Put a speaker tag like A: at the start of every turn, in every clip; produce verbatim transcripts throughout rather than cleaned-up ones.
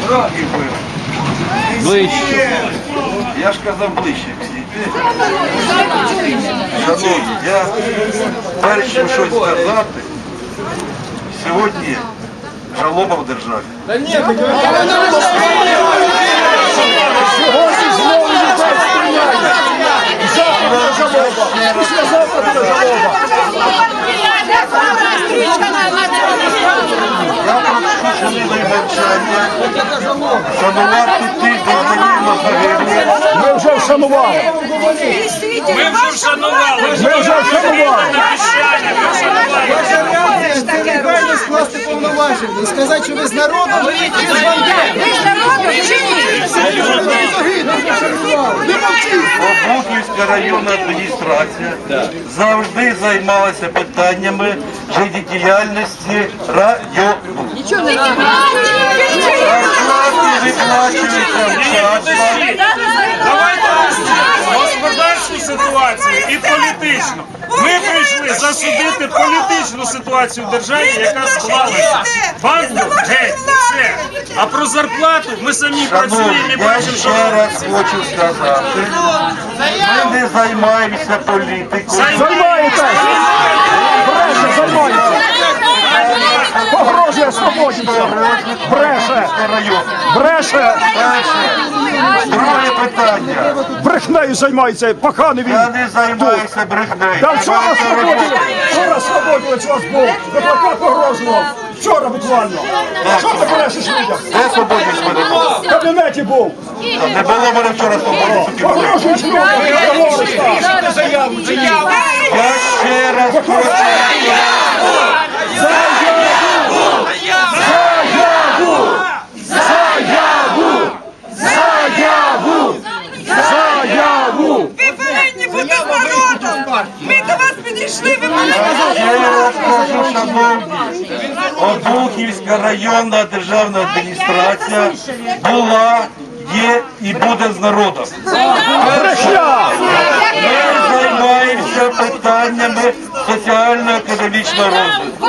A: Дороги були.
B: Ближче.
A: Я ж казав ближче всі. Шановні, я перш чим щось сказати, сьогодні жалоба в державі.
C: Та ні, так ви сьогодні знову людей стріляють. Завтра буде жалоба. Післязавтра буде жалоба.
A: Я прошу хвилиною мовчання шанувати тих, хто загинуло загиблих.
C: Ми вже вшанували.
D: Ми вже вшанували.
C: Ми вже вшанували.
E: Ваша реакція це негайно скласти повноваження і сказати, що ви з народом, ви з бандитами.
F: Ви з народом чи ні?
E: Не мовчіть!
A: Обухівська районна адміністрація завжди займалася питаннями життєдіяльності району.
F: Нічого не
A: Зарплати виплачуються вчасно.
D: Давайте господарську ситуацію і політичну. Ми прийшли засудити політичну ситуацію в державі, яка склалася. Банку геть, все. А про зарплату ми самі працюємо
A: Шановні,
D: і
A: я
D: бачимо, що
A: ще раз хочу сказати, ми не займаємося політикою.
C: Займаєтесь! Бреше, займаєтесь! Погрожує свободівцям! Бреше! Бреше!
A: Друге питання.
C: Брехнею займається, паханий він!
A: Я не займаюся брехнею.
C: Та вчора свободівець! Вчора свободівець у вас був! Ви плакат погрожував! Вчора буквально! Що ти брешеш людям?
A: Де свободівець мене був?
C: В кабінеті був!
A: Не було мене вчора свободівців.
C: Погрожуєш людям! Говориш так!
A: Я ще раз хочу.
C: Заяву! Заяву! Заяву!
F: Ви повинні бути з народом! Ми до вас підійшли, ви повинні
A: Ще раз кажу, шановні, Обухівська районна державна адміністрація була, є і буде з народом.
C: Брехня!
A: Ми займаємося питаннями соціально-економічного розвитку.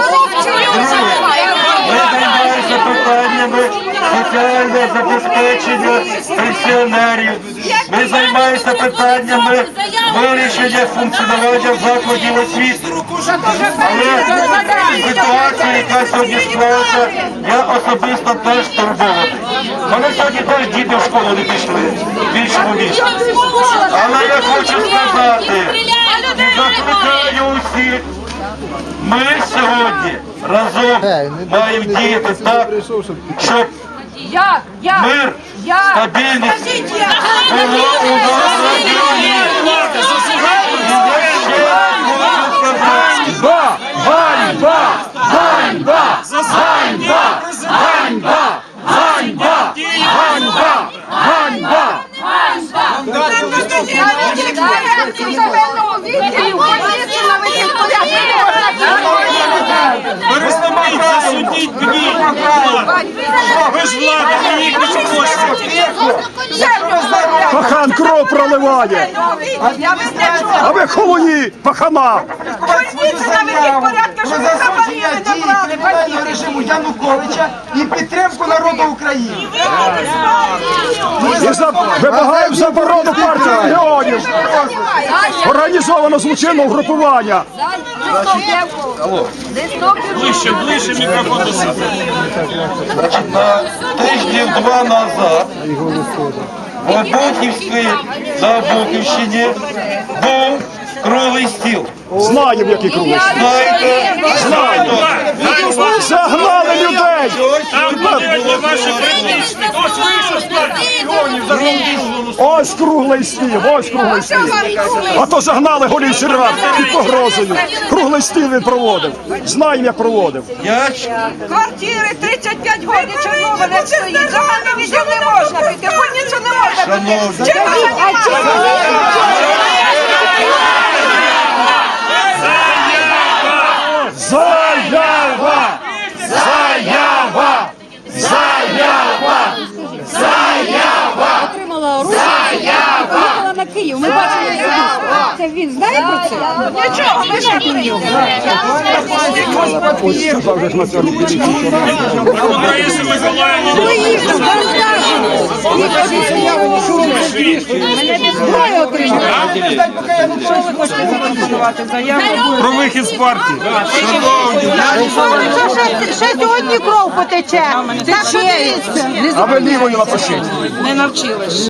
A: Ми займаємося питаннями соціального забезпечення пенсіонерів. Ми займаємося питаннями вирішення функціонування закладів освіти. Але ситуація, яка сьогодні склалася, я особисто теж турбований. Мене сьогодні теж діти в школу не пішли в іншому місті. Але я хочу сказати, і закликаю усіх, ми сьогодні разом маємо діяти так, щоб
F: Як? Як?
A: мир,
F: Як?
A: стабільність було у нас в районі. І я ще раз хочу сказати,
C: Ганьба! Ганьба! Ганьба! Ганьба! Ганьба! Ганьба! Ганьба! Ганьба!
D: перестаніть засудіть гнів. Ви ж влада, ви їх не хочете.
C: Пахан кров проливає! А ви холуні, пахана!
E: Про засудження дії кримінального режиму Януковича і підтримку народу України.
C: І за... вимагаємо заборону партії регіонів! Організовано злочинне угрупування!
D: Ближче, ближче мікрофон до себе.
A: значить, на тижнів два назад в Обухівській, на Обухівщині був круглий стіл.
C: Знаємо, які круги.
A: Знаєте, знаєте,
C: Загнали людей!
D: Там будуть ваші притичники. Ось вийшов з партії регіонів за круглим.
C: Ось круглий стіл, ось круглий стіл. А то загнали голів сільрад під погрозою. Круглий стіл він проводив. Знаємо, як проводив.
A: я ч-
F: Квартири тридцять п'ять років Чорнова не стоїть. Загальне відділ не можна піти, бо нічого не можна піти.
A: шановні,
C: Заява! Заява! Заява! Заява!
G: Отримала оружие, їхала на Київ. Ми бачили особисто. Це він знає про це?
F: Нічого, ми ж не
D: Раїса Миколаївна.
G: Ми їздимо.
D: Напишіть.
G: Зброю отримали.
D: Про вихід з партії.
G: Ще сьогодні кров потече. Так що дивіться.
C: А ви лівою напишіть.